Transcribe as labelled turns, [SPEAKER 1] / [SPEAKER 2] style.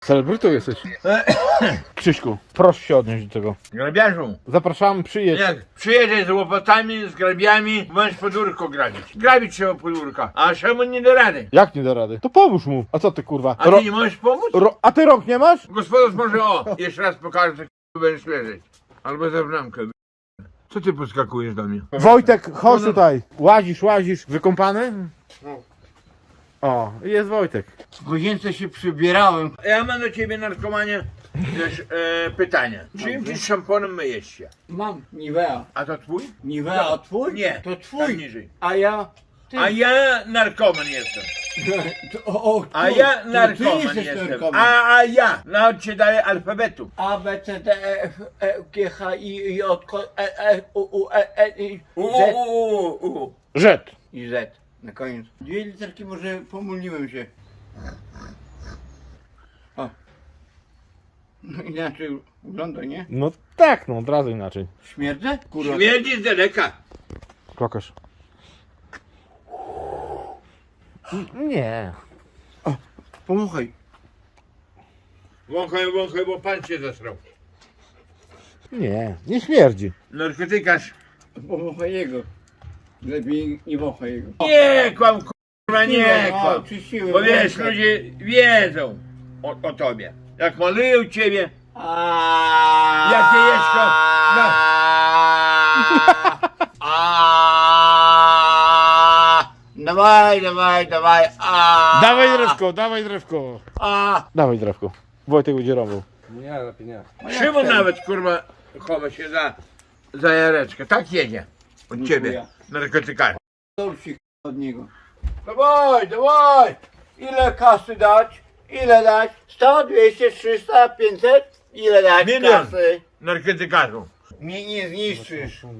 [SPEAKER 1] Celebrytą jesteś. Krzyśku, proszę się odnieść do tego.
[SPEAKER 2] Grabiarzu,
[SPEAKER 1] Zapraszamy, przyjedź.
[SPEAKER 2] jak przyjedziesz z łopatami, z grabiami, bądź podwórko grabić. Grabić trzeba podwórka, a Szymon nie da rady.
[SPEAKER 1] Jak nie da rady? To pomóż mu. A co ty kurwa?
[SPEAKER 2] A ty nie możesz pomóc?
[SPEAKER 1] A ty rąk nie masz?
[SPEAKER 2] Gospodarz może jeszcze raz pokażę, że będziesz leżeć. Albo za bramkę. Co ty podskakujesz do mnie?
[SPEAKER 1] Wojtek, chodź tutaj. Łazisz. Wykąpany? O, jest Wojtek.
[SPEAKER 3] W łazience się przybierałem.
[SPEAKER 2] Ja mam do ciebie, narkomanie, też pytanie. Czym ty szamponem myjesz się?
[SPEAKER 3] Mam Nivea.
[SPEAKER 2] A to twój?
[SPEAKER 3] Nivea, a twój?
[SPEAKER 2] Nie.
[SPEAKER 3] To
[SPEAKER 2] Tam
[SPEAKER 3] twój.
[SPEAKER 2] niżej.
[SPEAKER 3] A ja... Ty.
[SPEAKER 2] A ja narkoman jestem. A
[SPEAKER 3] ty.
[SPEAKER 2] ja
[SPEAKER 3] To ty
[SPEAKER 2] narkoman
[SPEAKER 3] jesteś
[SPEAKER 2] jestem.
[SPEAKER 3] narkoman.
[SPEAKER 2] A ja. Naucz się dalej alfabetu.
[SPEAKER 3] A, B, C, D, E, F, E, G, H, I, J, K, E, U, E, I, Z
[SPEAKER 2] U.
[SPEAKER 1] Żet.
[SPEAKER 3] i Z. Na koniec. Dwie literki może pomyliłem się. O. No inaczej wygląda, nie?
[SPEAKER 1] No tak, no od razu inaczej.
[SPEAKER 3] Śmierdzę? Kurwa.
[SPEAKER 2] Śmierdzi z daleka.
[SPEAKER 1] Klokarz. Nie.
[SPEAKER 3] Pomachaj.
[SPEAKER 2] Wąchaj, bo pan cię zasrał.
[SPEAKER 1] Nie śmierdzi.
[SPEAKER 2] Narkotykarz.
[SPEAKER 3] Pomachaj jego. Lepiej nie wąchaj jego.
[SPEAKER 2] Nie kłam, kurwa, nie kłam.
[SPEAKER 3] Czyściłem.
[SPEAKER 2] Bo wiesz, ludzie wiedzą o tobie. Jak malują ciebie, jakie jeszko. No.
[SPEAKER 3] Dawaj.
[SPEAKER 1] Dawaj drewko. Dawaj drewko. Wojtek będzie robił.
[SPEAKER 4] Nie, lepiej nie.
[SPEAKER 2] Szymon nawet, kurwa, chowa się za jareczkę. Tak jedzie. Od ciebie, narkotykarz.
[SPEAKER 3] Dorsi od niego. Dawaj! Ile kasy dać? Ile dać? 100, 200, 300, 500? Ile dać
[SPEAKER 2] Milion.
[SPEAKER 3] kasy?
[SPEAKER 2] Narkotykarzu.
[SPEAKER 3] Mnie nie zniszczysz.